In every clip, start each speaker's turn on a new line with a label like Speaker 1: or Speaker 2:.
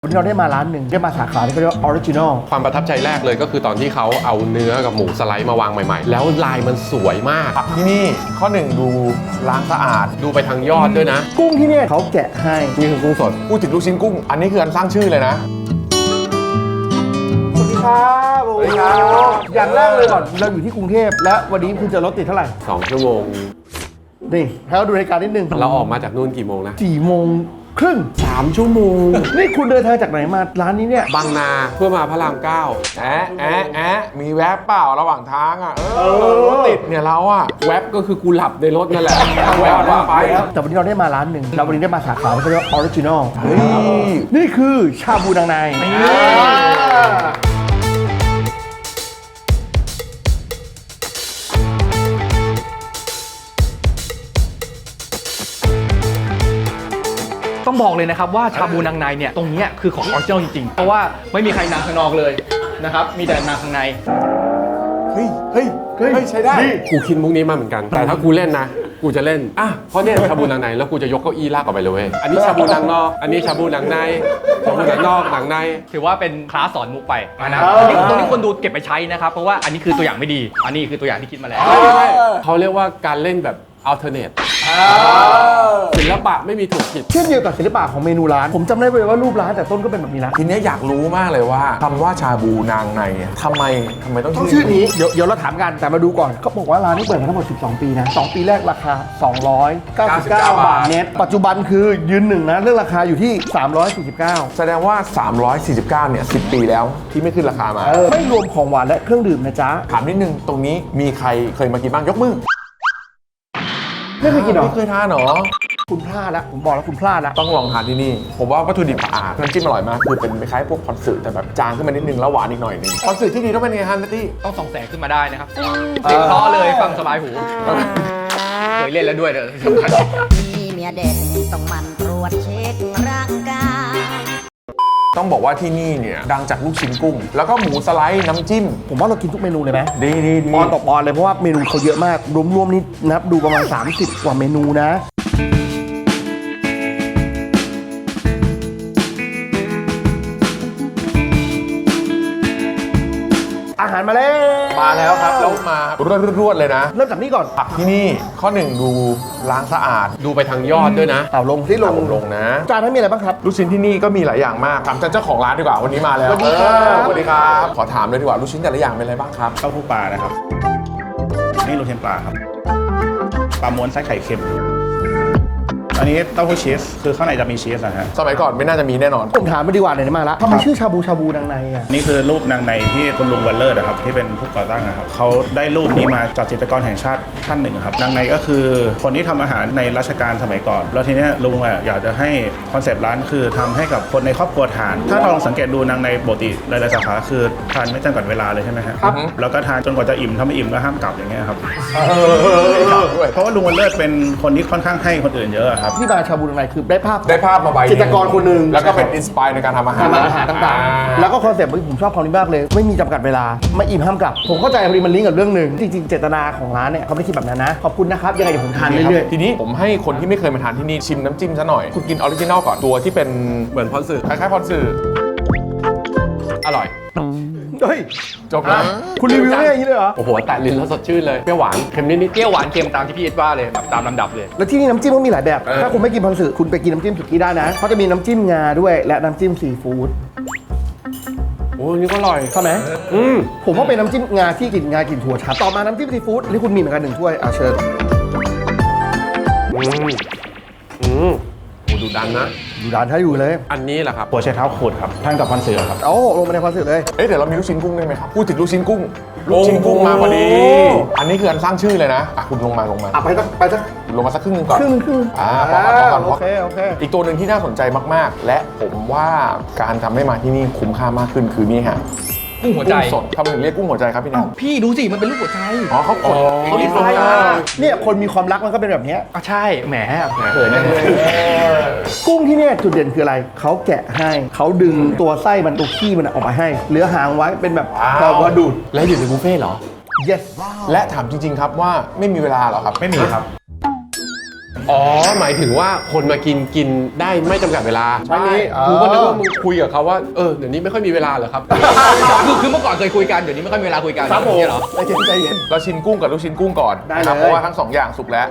Speaker 1: วันนี้เราได้มาร้านหนึ่งได้มาสาขาที่เขาเรียกว่าออริจินอล
Speaker 2: ความประทับใจแรกเลยก็คือตอนที่เขาเอาเนื้อกับหมูสไลด์มาวางใหม่ๆแล้วลายมันสวยมาก
Speaker 3: ที่นี่ข้อหนึ่งดูล้างสะอาด
Speaker 2: ดูไปทางยอดด้วยนะ
Speaker 1: กุ้งที่เนี่ยเขาแกะให้
Speaker 2: นี่คือกุ้งสด
Speaker 3: พูดถึงลูกชิ้นกุ้งอันนี้คืออันสร้างชื่อเลยนะ
Speaker 1: สวัสดีครับสวัสดีครับอย่างแรกเลยก่อนเราอยู่ที่กรุงเทพและวันนี้คุณจะรถติดเท่าไหร่
Speaker 2: 2 ชั่วโมง
Speaker 1: นี่ให้เราดูรายการนิดนึง
Speaker 2: เราออกมาจากนู่นกี่โมงนะ
Speaker 1: 4 โมงครึ่ง
Speaker 2: 3 ชั่วโมง
Speaker 1: นี่คุณเดินทางจากไหนมาร้านนี้เนี่ย
Speaker 2: บางนาเพื่อมาพระราม9
Speaker 3: มีแวบเปล่าระหว่างทางอ่ะรถติดเนี่ยเราอ่ะ
Speaker 2: แวบก็คือกูหลับในรถนั่นแหละแวบไป
Speaker 1: แต่วันนี้เราได้มาร้านหนึ่งเราวันนี้ได้มาสาขาที่เขาเรียกว่าออริจินอลนี่คือชาบูนางใน
Speaker 4: ต้องบอกเลยนะครับว่าชาบูนางในเนี่ยตรงนี้คือของออริจินอลจริงๆเพราะว่าไม่มีใครนางข้างนอกเลยนะครับมีแต่นางข้างใน
Speaker 3: เฮ้ยใช้ได้
Speaker 2: กูคิดมุกนี้มาเหมือนกันแต่ถ้ากูเล่นนะกูจะเล่นเพราะเนี่ยชาบูนางในแล้วกูจะยกเก้าอี้ลากออกไปเลยเว้ยอันนี้ชาบูนางนอกอันนี้ชาบูนางในชาบูนางนอกนางใน
Speaker 4: ถือว่าเป็นคลาสสอนมุกไปนะตรงนี้คนดูเก็บไปใช้นะครับเพราะว่าอันนี้คือตัวอย่างไม่ดีอันนี้คือตัวอย่างที่คิดมาแล้ว
Speaker 2: เขาเรียกว่าการเล่นแบบalternate ศิลปะไม่มีถูกผิด
Speaker 1: เช่นเดียวกับศิลปะของเมนูร้านผมจำได้เลยว่ารูปร้านแต่ต้นก็เป็นแบบนี้นะ
Speaker 3: ทีนี้อยากรู้มากเลยว่าคำว่าชาบูนางในทำไมต้อง
Speaker 1: ชื่อนี้เดี๋ยวเราถามกันแต่มาดูก่อนเขาบอกว่าร้านนี้เปิดมาทั้งหมด12 ปีนะ2 ปีแรกราคา299 บาทเน็ตปัจจุบันคือยืนหนึ่งนะเรื่องราคาอยู่ที่349
Speaker 3: แสดงว่า349เนี่ย10 ปีแล้วที่ไม่ขึ้นราคามา
Speaker 1: ไม่รวมของหวานและเครื่องดื่มนะจ๊ะ
Speaker 3: ถามนิดนึงตรงนี้มีใครเคยมากินบ้างยกมือ
Speaker 1: ไม่เคยกินหรอ
Speaker 3: ไม่เคยทานหรอ
Speaker 1: คุณพลาดแล้วผมบอกแล้วคุณพลาดแล้ว
Speaker 3: ต้องลองทานที่นี่ผมว่าวัตถุดิบสะอาดน้ำจิ้มอร่อยมากคือเป็นคล้ายพวกคอนสึแต่แบบจางขึ้นมานิดนึงแล้วหวานอีกหน่อยนึงคอนสึที่ดีต้องเป็นไงฮันนัตตี้
Speaker 4: ต้องส่องแสงขึ้นมาได้นะครับเสียงเพราะเลยฟังสบายหูเคยเล่นแล้วด้วยเด้อสำคัญ
Speaker 5: มีเมียเด็กต้องมันตรวจเช็คร่างกาย
Speaker 3: ต้องบอกว่าที่นี่เนี่ยดังจากลูกชิ้นกุ้งแล้วก็หมูสไลด์น้ำจิ้ม
Speaker 1: ผมว่าเรากินทุกเมนูเลยไหม
Speaker 3: ดี
Speaker 1: ปอนต่อปอนเลยเพราะว่าเมนูเขาเยอะมากรวมๆนี่นับดูประมาณ30 กว่าเมนูนะอาหารมาแล้ว
Speaker 3: ครับแล้วมารวดเลยนะ
Speaker 1: เริ่มจากนี้ก่อน
Speaker 3: ผักที่นี่ข้อหนึ่งดูล้างสะอาด
Speaker 2: ดูไปทางยอดด้วยนะ
Speaker 1: ลงที่ลง
Speaker 3: นะ
Speaker 1: จานนั้นมีอะไรบ้างครับ
Speaker 3: ลูกชิ้นที่นี่ก็มีหลายอย่างมากถามเจ้าของร้านดีกว่าวันนี้มาแล้ว
Speaker 1: สวัสดี
Speaker 3: ครับขอถามเลยดีกว่าลูกชิ้นแต่ละอย่างเป็นอะไรบ้างครับ
Speaker 6: เต้าหู้ปลานะครับนี่ลูกชิ้นปลาครับปลาม้วนไส้ไข่เค็มอันนี้เต้าหู้ชีสคือข้างในจะมีชีสนะฮะ
Speaker 3: สมัยก่อนไม่น่าจะมีแน่นอน
Speaker 1: ผมถามไปดีกว่าไหนมาแล้วทำไมชื่อชาบูนางในอ่ะ
Speaker 6: นี่คือรูปนางในที่คุณลุงวันเลิศนะครับที่เป็นผู้ก่อตั้งนะครับเขาได้รูปนี้มาจากจิตรกรแห่งชาติท่านหนึ่งครับนางในก็คือคนที่ทำอาหารในรัชกาลสมัยก่อนแล้วทีนี้ลุงอยากจะให้คอนเซปต์ร้านคือทำให้กับคนในครอบครัวทานถ้าลองสังเกตดูนางในปกติหลายๆสาขาคือทานไม่จำกัดเวลาเลยใช่ไหมครับแล้วก็ทานจนกว่าจะอิ่มถ้าไม่อิ่มก็ห้ามกลับอย่างเงี้ยครับเพราะว่าลุงวันเลิศเป็นคนที่ค่อนข้างให้คนอื่นเยอะครับ
Speaker 1: ที่มาชาบูนางในคือได้ภาพ
Speaker 3: มาใบ
Speaker 1: จิตรกรคนหนึ่ง
Speaker 3: แล้วก็เป็นอินสปายในการทำอาหาร
Speaker 1: ต่างๆแล้วก็คอนเซ็ปต์ผมชอบคำนี้มากเลยไม่มีจำกัดเวลาไม่อิ่มห้ามกลับผมเข้าใจพอดีมันลิงก์กับเรื่องหนึ่งจริงๆเจตนาของร้านเนี่ยเขาไม่ได้คิดแบบนั้นนะขอบคุณนะครับยังไงเดี๋ยวผมทานเรื่อย
Speaker 3: ๆทีนี้ผมให้คนที่ไม่เคยมาทานที่นี่ชิมน้ำจิ้มซะหน่อยคุณกินออริจินอลก่อนตัวที่เป็น
Speaker 2: เหมือนพอนสึ
Speaker 3: คล้ายๆพอนสึ
Speaker 2: อร่อย
Speaker 1: เฮ้ย
Speaker 3: จบแล้ว
Speaker 1: คุณรีวิวได้อย่างนี้เลยเหรอ
Speaker 2: โอ้โหแต่ลิ้นแล้วสดชื่นเลยเปรี้ยวหวานเค็มนิดๆ
Speaker 4: เปรี้ยวหวานเค็มตามที่พี่เอ็ดว่าเลยตามลำดับเลย
Speaker 1: แล้วที่นี่น้ำจิ้มก็มีหลายแบบถ้าคุณไม่กินพันสึคุณไปกินน้ำจิ้มสุกี้ได้นะเขาจะมีน้ำจิ้มงาด้วยและน้ำจิ้มซีฟู้ด
Speaker 2: โอ้นี่ก็อร่อย
Speaker 1: ใช่ไหมผมว่าเป็นน้ำจิ้มงาที่กลิ่นงากลิ่นถั่วชัดต่อมาน้ำจิ้มซีฟู้ดที่คุณมีเหมือนกัน1 ถ้วยเชิญ
Speaker 2: ดูดันนะ
Speaker 1: ดูดันถ้าอยู่เลย
Speaker 2: อันนี้แหละครับ
Speaker 6: หัวไชเท้าขูดครับท่านกับพันเสือครับ
Speaker 1: ลงมาในพันเสือเลย
Speaker 3: เดี๋ยวเรามีลูกชิ้นกุ้งได้ไหมครับพูดถึงลูกชิ้นกุ้งมาพอดีอันนี้คืออันสร้างชื่อเลยนะคุณลงมา
Speaker 1: ไปสัก
Speaker 3: ลงมาสักครึ่งนึงก่อน
Speaker 1: ครึ่ง
Speaker 3: พอ
Speaker 1: โอเค
Speaker 3: อีกตัวหนึ่งที่น่าสนใจมากๆและผมว่าการทำให้มาที่นี่คุ้มค่ามากขึ้นคือนี่ฮะ
Speaker 4: กุ้งหัวใจ
Speaker 3: สดทำไมถึงเรียกกุ้งหัวใจครับพี่นัน
Speaker 4: พี่ดูสิมันเป็นรูปหัวใจ
Speaker 3: เขากด
Speaker 4: เขาดีไซน์
Speaker 1: เนี่ยคนมีความรักมันก็เป็นแบบนี้
Speaker 4: ใช่แหม
Speaker 1: เขินนะกุ้งที่เนี่ยจุดเด่นคืออะไรเขาแกะให้เขาดึงตัวไส้มันตัวขี้มันออกมาให้เหลือหางไว้เป็นแบบพอว่าดูด
Speaker 2: แล้วอยู่ในบุฟเฟ่เหรอ
Speaker 1: yes
Speaker 3: และถามจริงๆครับว่าไม่มีเวลาหรอครับ
Speaker 6: ไม่มีครับ
Speaker 2: อ๋อหมายถึงว่าคนมากินได้ไม่จำกัดเวลา
Speaker 1: ใช่
Speaker 2: กูก็นึกว่ามึงคุยกับเขาว่าเดี๋ยวนี้ไม่ค่อยมีเวลาเหรอครับ
Speaker 4: คือเมื่อก่อนเคยคุยกันเดี๋ยวนี้ไม่ค่อยมีเวลาคุยกัน
Speaker 1: ครับผม
Speaker 4: เนี่ยเหรอ
Speaker 1: ใจเย็นใจเย็น
Speaker 3: เราชิมกุ้งกับลูกชิ้นกุ้งก่อน
Speaker 1: ได้
Speaker 3: นะครับ
Speaker 1: เลย
Speaker 3: เพราะว่าทั้ง 2 อย่างสุกแล้ว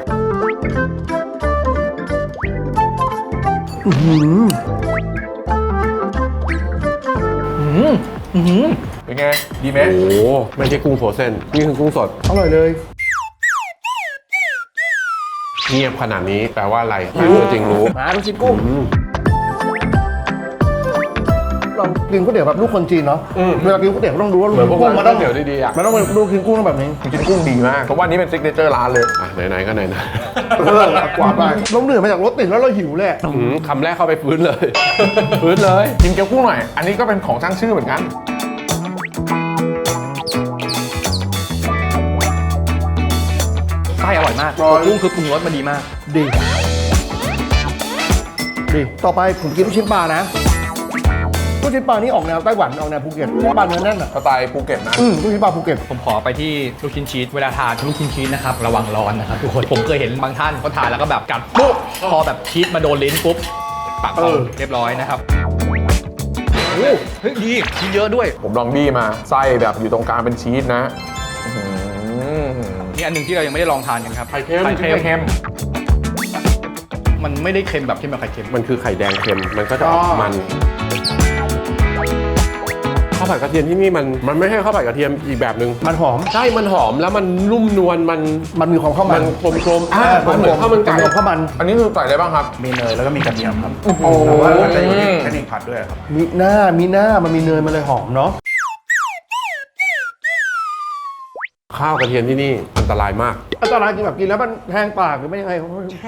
Speaker 3: เป็นไง ดีไหม
Speaker 2: โอ้โหไม่ใช่กุ้งโฟรเซนนี่คือกุ้งสด
Speaker 1: อร่อยเลย
Speaker 2: เงียบขนาดนี้แปลว่าอะไรไม่รู้จริงรู้
Speaker 1: มาลูกชิ้นกุ้งเรากินก๋วยเตี๋ยวแบบลูกคนจีนเนาะเวลากินก๋วยเตี๋ยวต้องรู้ว่าลูก
Speaker 2: เหมือนพวก
Speaker 1: กุ้ง
Speaker 2: ร้าน
Speaker 1: มันต้อง
Speaker 2: ก๋วยเตี๋ยวดีๆอะ
Speaker 1: มันต้องเป็นลูกชิ้นกุ้งต้องแบบนี้
Speaker 3: ลูกชิ้นกุ้งดีมาก เพราะว่านี้เป็นซิกเนเจอร์ร้านเลย
Speaker 2: อ่ะไหนๆก็ไหน
Speaker 1: กว่าไปเราเหนื่อยมาจากรถติดแล้วเราหิวเลย
Speaker 2: ๆคำแรกเข้าไปฟื้นเลย ฟื้นเลย
Speaker 3: กินเกี๊ยวกุ้งหน่อย อันนี้ก็เป็นของช่างชื่อเหมือนกัน
Speaker 4: ไส้อร่อยมากกุ้งคือปรุงรสมันดีมาก
Speaker 1: ดีต่อไปผมกินลูกชิ้นปลานะลูกชิ้นปลานี่ออกแนวไต้หวันออกแนวภูเก็ตลูกชิ้นปลาเนื้อแน่นอ่ะ
Speaker 3: สไตล์ภูเก็ตนะ
Speaker 1: ลูกชิ้นปลาภูเก็ต
Speaker 4: ผมขอไปที่ลูกชิ้นชีสเวลาทานลูกชิ้นชีสนะครับระวังร้อนนะครับทุกคนผมเคยเห็นบางท่านเขาทานแล้วก็แบบกัดปุ๊บพอแบบชีสมาโดนลิ้นปุ๊บปากพองเรียบร้อยนะครับโอ้เฮ้ยดีชีสเยอะด้วย
Speaker 3: ผมลองบี้มา ไส้แบบอยู่ตรงกลางเป็นชีสนะอื้อหือ
Speaker 4: นี่อันหนึ่งที่เรายังไม่ได้ลองทานกันครับ
Speaker 2: ไข่เค็ม
Speaker 4: ไข่เค็ม
Speaker 3: เค็ม
Speaker 4: มันไม่ได้เค็มแบบที่แบบไข่เค็ม
Speaker 2: มันคือไข่แดงเค็มมันก็จะออกมันข้าวผัดกระเทียมที่นี่มันไม่ใช่ข้าวผัดกระเทียมอีกแบบหนึ่ง
Speaker 1: มันหอม
Speaker 2: ใช่มันหอมแล้วมันนุ่มนวลมัน
Speaker 1: มันมีความข้าวมัน
Speaker 2: กลมๆมันเหมือนข้าวมันไก่
Speaker 1: ข้าวมัน
Speaker 3: อันนี้คือใส่อะไรบ้างครับ
Speaker 6: มีเนยแล้วก็มีกระเทียมครับ
Speaker 1: โอ้
Speaker 6: แต่ว่ามันจะอยู่ที่เทคนิคผัดด้วยครับ
Speaker 1: มีหน้ามันมีเนยมันเลยหอมเนาะ
Speaker 2: ข้าวกระเทียมที่นี่อันตรายมาก
Speaker 1: อันตรายจริงแบบกินแล้วมันแห้งปากหรือไม่ยังไง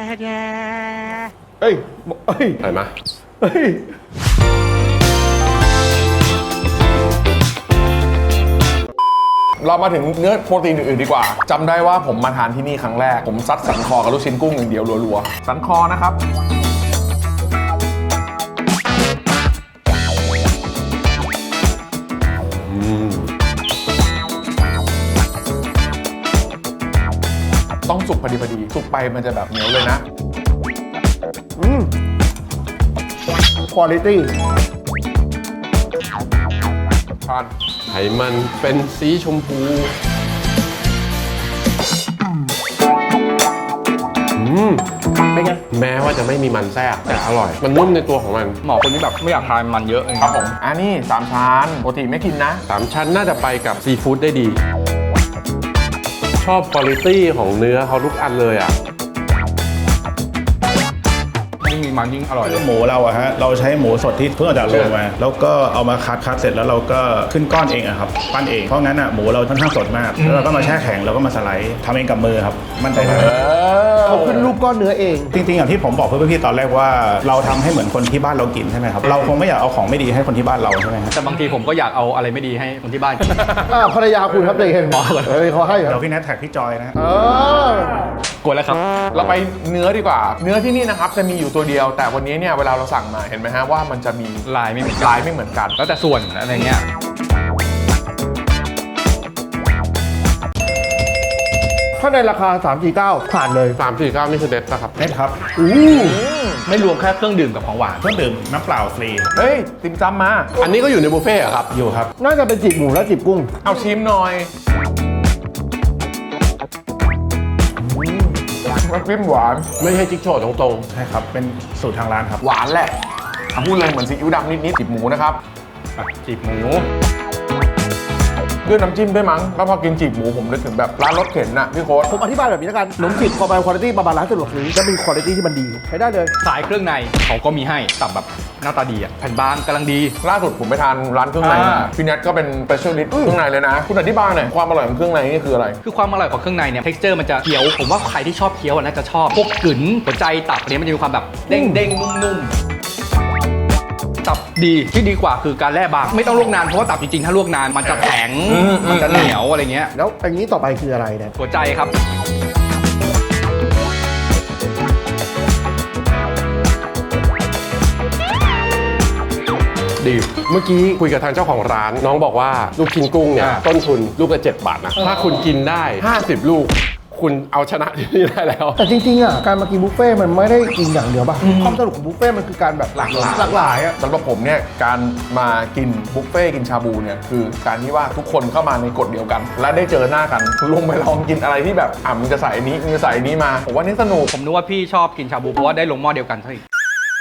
Speaker 1: เอ้ย
Speaker 2: เห็นไหม
Speaker 1: เฮ้ย
Speaker 3: เรามาถึงเนื้อโปรตีนอื่นๆดีกว่าจำได้ว่าผมมาทานที่นี่ครั้งแรก ผมซัดสันคอกับลูกชิ้นกุ้งอย่างเดียวรัวๆ สันคอนะครับ ต้องสุกพอดีสุกไปมันจะแบบเหนียวเลยนะ
Speaker 1: คุณภาพ
Speaker 3: ทาน
Speaker 2: ไขมันเป็นสีชมพู
Speaker 1: เป็นไง
Speaker 2: แม้ว่าจะไม่มีมันแทรกแต่อร่อย มันนุ่มในตัวของมัน
Speaker 4: หมอคนนี้แบบไม่อยากทานมันเยอะ
Speaker 3: ครับผมอันนี้3ชั้นปกติไม่กินนะ
Speaker 2: 3 ชั้นน่าจะไปกับซีฟู้ดได้ดี ชอบคุณภาพของเนื้อเขาทุกอันเลยอ่ะ
Speaker 4: ยิ่งมีมันยิ่งอร่อยเลย
Speaker 6: หมูเราอะฮะเราใช้หมูสดที่เพิ่งออกจากโรงมา แล้วก็เอามาคัดเสร็จแล้วเราก็ขึ้นก้อนเองอะครับปั้นเองเพราะงั้นอะหมูเราค่อนข้างสดมากแล้วเราก็มาแช่แข็งแล้วก็มาสไลด์ทำเองกับมือครับมั่นใจได้
Speaker 1: เขาขึ้นรูปก้อนเนื้อเอง
Speaker 6: จริงๆอย่างที่ผมบอกเพื่อนพี่ตอนแรกว่าเราทำให้เหมือนคนที่บ้านเรากินใช่ไหมครับเราคงไม่อยากเอาของไม่ดีให้คนที่บ้านเราใช่ไหมครับ
Speaker 4: แต่บางทีผมก็อยากเอาอะไรไม่ดีให้คนที่บ้านกิน
Speaker 1: ภรรยาคุณครับใจเย็นเขาให้เหร
Speaker 6: เดี๋ย
Speaker 1: อ
Speaker 6: วพี่แนทแท็กพี่จอยนะ
Speaker 4: กดแล้วครับ
Speaker 3: เราไปเนื้อดีกว่า เนื้อที่นี่นะครับจะมีอยู่ตัวเดียว แต่วันนี้เนี่ยเวลาเราสั่งมาเห็นไหมฮะว่ามันจะมี
Speaker 4: ลายไม่เหมือนกัน
Speaker 3: ลายไม่เหมือนกัน
Speaker 4: แล้วแต่ส่วนอะไรเงี้ย
Speaker 1: ถ้าในราคา 349 ผ่านเลย
Speaker 2: 349นี่คือเด็ดนะครับ
Speaker 6: เน็ตครับ
Speaker 4: ไม่รวมแค่เครื่องดื่มกับของหวาน
Speaker 6: เครื่องดื่มน้ำเปล่าฟรี
Speaker 3: เฮ้ย ติมจำมา
Speaker 2: อันนี้ก็อยู่ในบุฟเฟ่ต์เหรอครับ
Speaker 6: อยู่ครับ
Speaker 1: น่าจะเป็นจีบหมูและจีบกุ้ง
Speaker 3: เอาชิมหน่อยน้ำจิ้มหวาน
Speaker 2: ไม่ใช่จิ๊กโฉดตรง
Speaker 6: ใช่ครับ เป็นสูตรทางร้านครับ
Speaker 3: หวานแหละพูดเลยเหมือนซีอิ๊วดำนิดๆจิบหมูนะครับ
Speaker 4: จีบหมู
Speaker 3: ด้วยน้ำจิ้มด้วยมั้งแล้วพอกินจีบหมูผมนึกถึงแบบร้านรถเข็นน่ะพี่โค้ด
Speaker 1: ผมอธิบายแบบนี้แล้วกันขนมจีบพอไปคุณภาพประมาณร้านสะดวกซื้อจะมีคุณภาพที่มันดีใช้ได้เลย
Speaker 4: สายเครื่องในเขาก็มีให้ตับแบบหน้าตาดีอ่ะแผ่นบางกำลังดี
Speaker 3: ล่าสุดผมไปทานร้านเครื่องในมาพี่แนทก็เป็นสเปเชียลิสต์เครื่องในเลยนะ คุณอธิบายหน่อยความอร่อยของเครื่องในนี่คืออะไร
Speaker 4: คือความอร่อยของเครื่องในเนี่ย texture มันจะเคี้ยว ผมว่าใครที่ชอบเคี้ยวน่าจะชอบ พวกกึ๋นหัวใจตับอันนี้มันจะมีความแบบเด้งๆ นุ่มๆ ตับดีที่ดีกว่าคือการแล่บาง ไม่ต้องลวกนาน เพราะว่าตับจริงๆ ถ้าลวกนานมันจะแข็ง มันจะเหนียวอะไรเงี้ย
Speaker 1: แล้วอันนี้ต่อไปคืออะไรเนี่ย
Speaker 4: หัวใจครับ
Speaker 2: ๆ ดี เมื่อกี้คุยกับทางเจ้าของร้าน น้องบอกว่าลูกชิ้นกุ้งเนี่ย ต้นทุนลูกละ7 บาทนะ ถ้าคุณกินได้ 50 ลูกคุณเอาชนะที่นี่ได้แล้ว
Speaker 1: แต่จริงๆอ่ะการมากินบุฟเฟ่ต์มันไม่ได้กินอย่างเดียวป่ะความสนุกของบุฟเฟ่ต์มันคือการแบบหลากหลายอ่ะ
Speaker 3: สำหรับผมเนี่ยการมากินบุฟเฟ่ต์กินชาบูเนี่ยคือการที่ว่าทุกคนเข้ามาในกฎเดียวกัน และได้เจอหน้ากันลงไปลองกินอะไรที่แบบมึงจะใส่อันนี้มึงจะใส่อันนี้มาผมว่านี่สนุก
Speaker 4: ผมนึกว่าพี่ชอบกินชาบูเพราะว่าได้ลงหม้อเดียวกันเท่าอีก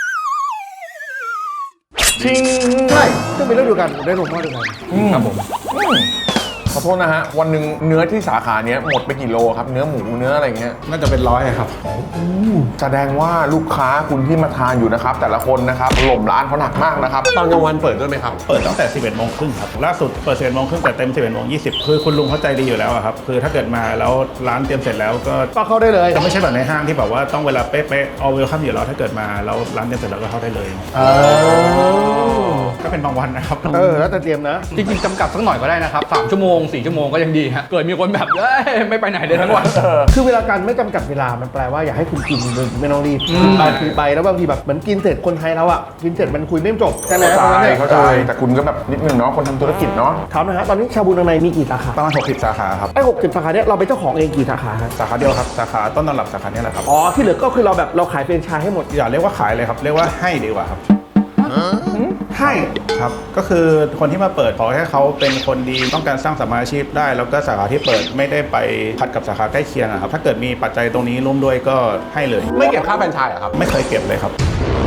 Speaker 3: ชิง
Speaker 1: ใช่ซึ่งเป็นเรื่องเดียวกันผมได้ลงมาด้วยกัน
Speaker 4: ครับผม
Speaker 3: ขอโทษนะฮะวันหนึ่งเนื้อที่สาขาเนี้ยหมดไปกี่โลครับเนื้อหมูเนื้ออะไรเงี้ย
Speaker 6: น่าจะเป็น100ครับ
Speaker 3: แสดงว่าลูกค้าคุณที่มาทานอยู่นะครับแต่ละคนนะครับหล่มร้านเขาหนักมากนะครับ
Speaker 2: ตอนกลางวันเปิดด้วยไหมครับ
Speaker 6: เปิดตั้งแต่ 11 โมงครึ่งครับ ล่าสุดเปิด 11 โมงครึ่งแต่เต็ม 11 โมง 20 คือคุณลุงเข้าใจดีอยู่แล้วอะครับ คือถ้าเกิดมาแล้วร้านเตรียมเสร็จแล้วก็
Speaker 1: ก็เข้าได้เลย
Speaker 6: จะไม่ใช่แบบในห้างที่แบบว่าต้องเวลาเป๊ะๆ all welcome อยู่แล้วถ้าเกิดมาแล้วร้านเตรียมเสร็จแล้วก็เข้าได้เลย ก็เป็นบางวันนะครับ
Speaker 1: แล้วแต่เตรียมนะ
Speaker 4: จริงๆจำกัดสักหน่อยก็ได้นะครับ3 ชั่วโมง 4 ชั่วโมงก็ยังดีฮะเกิดมีคนแบบไม่ไปไหนเลยทั้งวัน
Speaker 1: คือเวลาการไม่จำกัดเวลามันแปลว่าอยากให้คุณกินโดยไม่ต้องรีบไปคุยไปแล้วบางทีแบบเหมือนกินเสร็จคนไทยแล้วอ่ะกินเสร็จมันคุยไม่จบใช่ไหม
Speaker 3: เข้าใจแต่คุณก็แบบนิดนึงเนาะคนทำธุรกิจเนาะ
Speaker 1: ถามนะฮะตอนนี้ชาบูนังในมีกี่สาขา
Speaker 6: ประมาณ 60 สาขาครับ
Speaker 1: ไอ้60 สาขาเนี้ยเราเป็นเจ้าของเองกี่สาขาฮะ
Speaker 6: สาขาเดียวครับ สาขาต้นตำรับสาขาเนี้แหละครับ
Speaker 1: อ๋อที่เหลือก็คือเราแบบเราขายแฟรนไชส์ให้หมด
Speaker 6: อย่าเรียกว่าขายเลยครับ เรียกว่าให้ดีกว่าครับ
Speaker 1: ให้
Speaker 6: ครับ ก็คือคนที่มาเปิดขอให้เขาเป็นคนดีต้องการสร้างสมมาอาชีพได้ แล้วก็สาขาที่เปิดไม่ได้ไปขัดกับสาขาใกล้เคียงอะครับ ถ้าเกิดมีปัจจัยตรงนี้ร่วมด้วยก็ให้เลย
Speaker 2: ไม่เก็บค่าแฟรนไชส์เหรอครับ
Speaker 6: ไม่เคยเก็บเลยครับ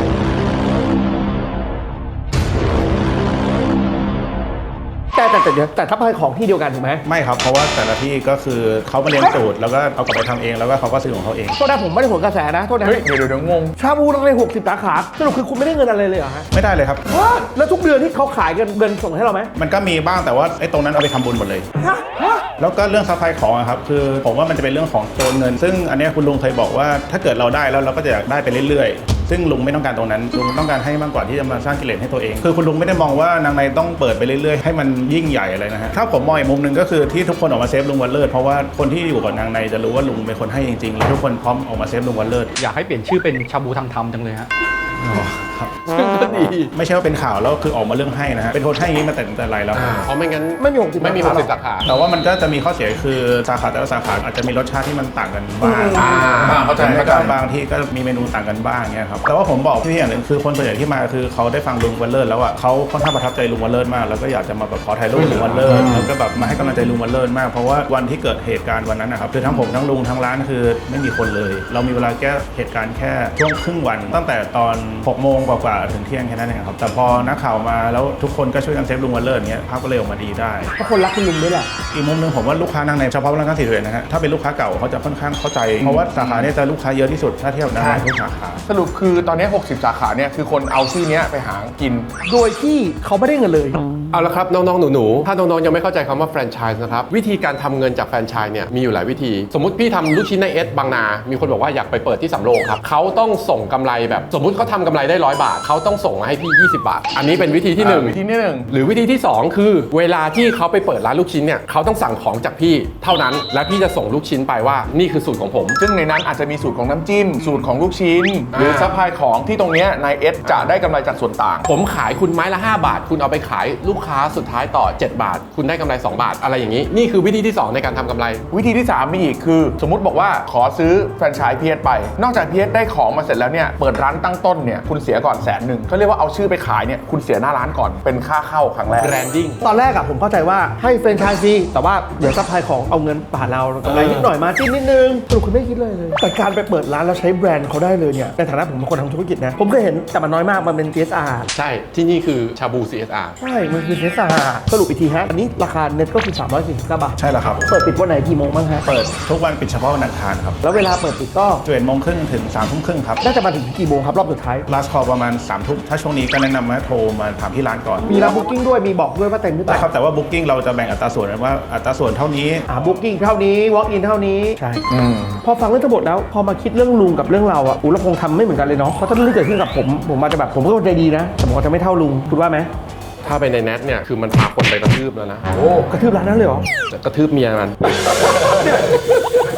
Speaker 1: แต่ถ้าไปของที่เดียวกันถูกไหม
Speaker 6: ไม่ครับ เพราะว่าแต่ละที่ก็คือเขามาเรียนสูตรแล้วก็เอากลับไปทำเองแล้วก็เขาก็ซื้อของเขาเอง
Speaker 1: โทษนะผมไม่ได้ผลกระแสนะโทษนะ
Speaker 3: เฮ้ยเดี๋ยวงง
Speaker 1: ชาบูนังใน60 สาขาสรุปคือคุณไม่ได้เงินอะไรเลยเหรอฮะ
Speaker 6: ไม่ได้เลยครับ
Speaker 1: แล้วทุกเดือนที่เขาขายเงินส่งให้เราไหม
Speaker 6: มันก็มีบ้างแต่ว่าไอ้ตรงนั้นเอาไปทำบุญหมดเลย แล้วก็เรื่องซัพพลายของอะครับคือผมว่ามันจะเป็นเรื่องของตัวเงิน ซึ่งอันเนี้ยคุณลุงเคยบอกว่าถ้าเกิดเราได้แล้วเราก็จะอยากได้ไปเรื่อยๆ ซึ่งลุงไม่ต้องการตรงนั้นลุงต้องการให้มากกว่าที่จะมาสร้างกิเลสให้ตัวเอง คือคุณลุงไม่ได้มองว่านางในต้องเปิดไปเรื่อยๆให้มันยิ่งใหญ่อะไรนะฮะถ้าผมมองอีกมุมหนึ่งก็คือที่ทุกคนออกมาเซฟลุงวันเลิศเพราะว่าคนที่อยู่กับนางในจะรู้ว่าลุงเป็นคนให้จริงๆแล้วทุกคนพร้อมออกมาเซฟลุงวันเลิศ
Speaker 4: อยากให้เปลี่ยนชื่อเป็นชาบูทางธรรมจังเลยฮะ
Speaker 6: ครับ
Speaker 2: ก็ดี
Speaker 6: ไม่ใช่ว่าเป็นข่าวแล้วคือออกมาเรื่องให้นะฮะเป็นคนให้อย่างนี้มาแต่ไรแล้ว
Speaker 2: เพราะไม่งั้น
Speaker 1: ไม่มี60
Speaker 2: ไม่มี60 สาขา
Speaker 6: แต่ว่ามันก็จะมีข้อเสียคือสาขาแต่ละสาขาอาจจะมีรสชาติที่มันต่างกันบ้าง
Speaker 3: เข้าใจ
Speaker 6: แล้วก็บางที่ก็มีเมนูต่างกันบ้างเงี้ยครับแต่ว่าผมบอกที่อย่างหนึ่งคือคนส่วนใหญ่ที่มาคือเขาได้ฟังลุงวันเลิศแล้วอ่ะเขาค่อนข้างประทับใจลุงวันเลิศมากแล้วก็อยากจะมาแบบขอถ่ายรูปลุงวันเลิศแล้วก็แบบมาให้กำลังใจลุงวันเลิศมากเพราะว่าวันที่เกิดเหตุการณ์วันนั้นนะครับคือทั้งผมทั้งลุงทั้งร้านคือไม่มีคนเลย เรามีเวลาแก้เหตุการณ์แค่ช่วงครึ่งวัน ตั้งแต่ตอน6 โมงกว่าๆถึงเที่ยงแค่นั้นเองครับแต่พอนักข่าวมาแล้วทุกคนก็ช่วยกันเซฟลุงวันเลิศเงี้ยภาพก็เลยออกมาดีได้
Speaker 1: เพราะคนรักคุณลุงด้วยแหละ
Speaker 6: อีกมุมหนึงผมว่าลูกค้านั่งในเฉพาะร้านค้าสีเทานะฮะถ้าเป็นลูกค้าเก่าเขาจะค่อนข้างเข้าใจเพราะว่าสาขาเนี้จะลูกค้าเยอะที่สุดถ้าเทียบกับทุกสาขา
Speaker 3: สรุปคือตอนนี้ 60 สาขาเนี่ยคือคนเอาชื่อเนี้ยไปหากิน
Speaker 1: โดยที่เขาไม่ได้เงินเลย
Speaker 2: เอาละครับน้องๆหนูๆถ้าน้องๆยังไม่เข้าใจคำว่าแฟรนไชส์นะครับวิธีการทำเงินจากแฟรนไชส์เนี่ยมีอยู่หลายวิธี สมมติพี่ทำลูกชิ้นในเอสบางนา มีคนบอกว่าอยากไปเปิดที่สำโรงครับเขาต้องส่งกำไรแบบสมมุติเขาทำกำไรได้100 บาทเขาต้องส่งมาให้พี่20 บาท อันนี้เป็นวิธีที่หนึ่ง
Speaker 3: วิธีที่หนึ่ง
Speaker 2: หรือวิธีที่สองคือเวลาที่เขาไปเปิดร้านลูกชิ้นเนี่ยเขาต้องสั่งของจากพี่เท่านั้นและพี่จะส่งลูกชิ้นไปว่านี่คือสูตรของผม
Speaker 3: ซึ่งในนั้นอาจจะมีสูตรของน้ำจิ้ม สูตรของลูกชิ้น หรือซัพพลายของที่ตรงเนี้ยนายเอสจะได้กำไรจากส่วนต่าง
Speaker 2: ผมขายคุณไม้ละ5 บาท คุณเอาไปขายลูกค้าสุดท้ายต่อ7 บาท คุณได้กำไร2 บาทอะไรอย่างนี้นี่คือวิธีที่สองในการทำกำไร
Speaker 3: วิธีที่ 3 มีอีกคือ สมมุติบอกว่าขอซื้อแฟรนไชส์พีเอสไป นอกจากพีเอสได้ของมาเสร็จแล้วเนี่ยเปิดร้านตั้งต้นเนี่ยคุณเสียก่อน100,000เขาเรียกว่าเอาชื่อไปขายเนี่ยคุณเสียหน้าร้านก่อนเป็นค่าเข้าครั้งแรก
Speaker 2: branding
Speaker 1: ตอนแรกอะผมเข้าใจว่าให้แฟรนไชส์ฟรีแต่ว่าเดี๋ยวซัพพลายของเอาเงินผ่านเรากำไรนิดหน่อยมาจิ้นนิดนึงสรุปคุณไม่คิดเลยแต่การไปเปิดร้านแล้วใช้แบรนด์เขาได้เลยเนี่ยในฐานะผมเป็นคนทำธุรกิจนะผมเคยเห็นแต่มันน้อยมากมันเป็น CSR
Speaker 2: ใช่ที่นี่คือชาบู CSR
Speaker 1: ใช่มันคือ CSR สรุปอีกทีฮะอันนี้ราคาเน็ตก็คือ349 บาท
Speaker 6: ใช่แล้วครับ
Speaker 1: เปิดปิดวันไหนกี่โมงบ้างฮะ
Speaker 6: เปิดทุกวันปิดเฉพาะวันอังคารครับ
Speaker 1: แล้วเวลาเปิดปิดก็
Speaker 6: 11 โมงครึ่งถึง3 ทุ่มครึ่งครับ
Speaker 1: น่าจะมาถึงกี่โมงครับรอบสุดท้าย
Speaker 6: last call ประมาณ3 ทุ่มถ้าช่วงนี้ก็แนะนำว่าโทรมาถามที่ร้านก่อน
Speaker 1: มีรับบุ๊กิ้งด้วยมีบอกด้วยว่าเต็มหรือเป
Speaker 6: ได้
Speaker 1: ล่า
Speaker 6: ครับแต่ว่า booking เราจะแบ่งอัตราส่วนว่าอัตราส่วนเท่านี้
Speaker 1: บุ๊กิ้งเท่านี้ walk in เท่านี้ใช่พอฟังเรื่องทั้งหมดแล้วพอมาคิดเรื่องลุงกับเรื่องเราอะเราคงทำไม่เหมือนกันเลยเนาะเพราะถ้าเรื่องที่เกิดขึ้นกับผมอาจจะแบบผมก็ใจดีนะแต่ผมอาจจะไม่เท่าลุงคุณว่าไหม
Speaker 2: ถ้าไปในเน็ตเนี่ยคือมันพาคนไปกระทืบแล้วนะ
Speaker 1: กระทืบร้านนั้นเลยเหรอ
Speaker 2: จะกระทืบเมียมัน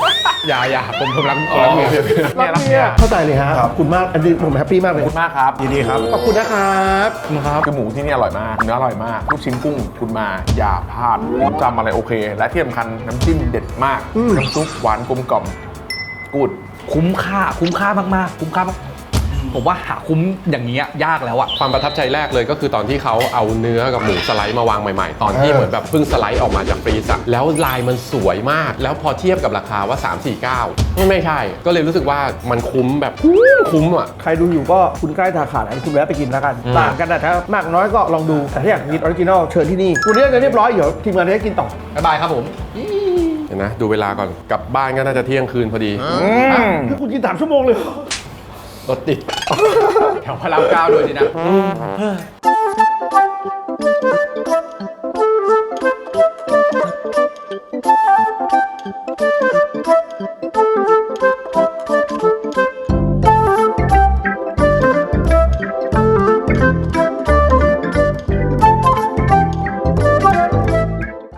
Speaker 2: อย่าผมรักเมีย
Speaker 1: รักเมียเข้าใจเลยฮะขอบคุณมากอันนี้ผมแฮปปี้มากเลย
Speaker 3: ขอบคุณมากครับ
Speaker 6: ยินดีครับ
Speaker 1: ขอบคุณนะครับ
Speaker 3: คือหมูที่นี่อร่อยมากเนื้ออร่อยมากลูกชิ้นกุ้งคุณมาอย่าพลาดผมจำอะไรโอเค และที่สำคัญน้ำจิ้มเด็ดมากน้ำซุปหวานกลมกล่อมกูด
Speaker 4: คุ้มค่ามากๆคุ้มค่ามากผมว่าหาคุ้มอย่างนี้ยากแล้วอะ
Speaker 2: ความประทับใจแรกเลยก็คือตอนที่เขาเอาเนื้อกับหมูสไลด์มาวางใหม่ๆ ตอนที่เหมือนแบบเพิ่งสไลด์ออกมาจากฟรีซอะแล้วลายมันสวยมาก แล้วพอเทียบกับราคาว่า 349ไม่ใช่ ก็เลยรู้สึกว่ามันคุ้มแบบคุ้มอ่ะ
Speaker 1: ใครดูอยู่ก็คุณใกล้ทาขาดคุณแวะไปกินแล้วกันต่างกันนะถ้ามากน้อยก็ลองดูแต่ถ้าอยากกินออริจินอลเชิญที่นี่วันนี้จะเรียบร้อยเดี๋ยวทีมงานจะได้กินต่อ
Speaker 4: บ๊ายบายครับผม
Speaker 2: เห็นนะดูเวลาก่อนกลับบ้านก็น่าจะเที่ยงคืนพอดี
Speaker 1: ถ้าคุณกิน3 ชั่วโมงเลย
Speaker 2: รถติด
Speaker 4: แถวพระรามเก้าด้วยดีนะ
Speaker 5: เ